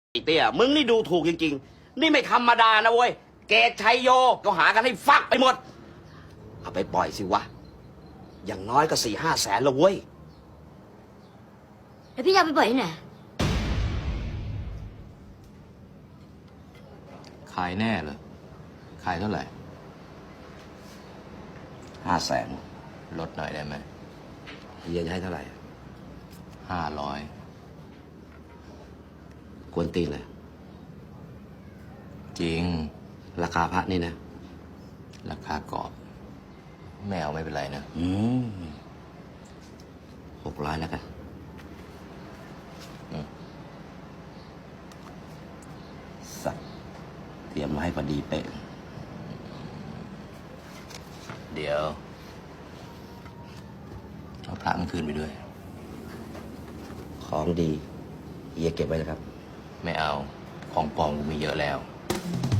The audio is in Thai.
ไอ้เตี้ยมึงนี่ดูถูกจริงๆนี่ไม่ธรรมดานะเว้ยเกตชัยโยก็หากันให้ฟักไปหมดเอาไปปล่อยสิวะอย่างน้อยก็4-5 แสนละเว้ยแล้วพี่จะเอาไปปล่อยที่ไหนขายแน่เหรอขายเท่าไหร่ 5 แสนลดหน่อยได้ไหมเฮียจะให้เท่าไหร่ 500 กวนตีนเลยจริงราคาพระนี่นะราคากรอบไม่เอาไม่เป็นไรนะ 600แล้วกันสัตว์เตรียมมาให้พอดีเป๊ะเดี๋ยวเอาพระมันคืนไปด้วยของดีเฮียเก็บไว้นะครับไม่เอาของปลอมกูมีเยอะแล้ว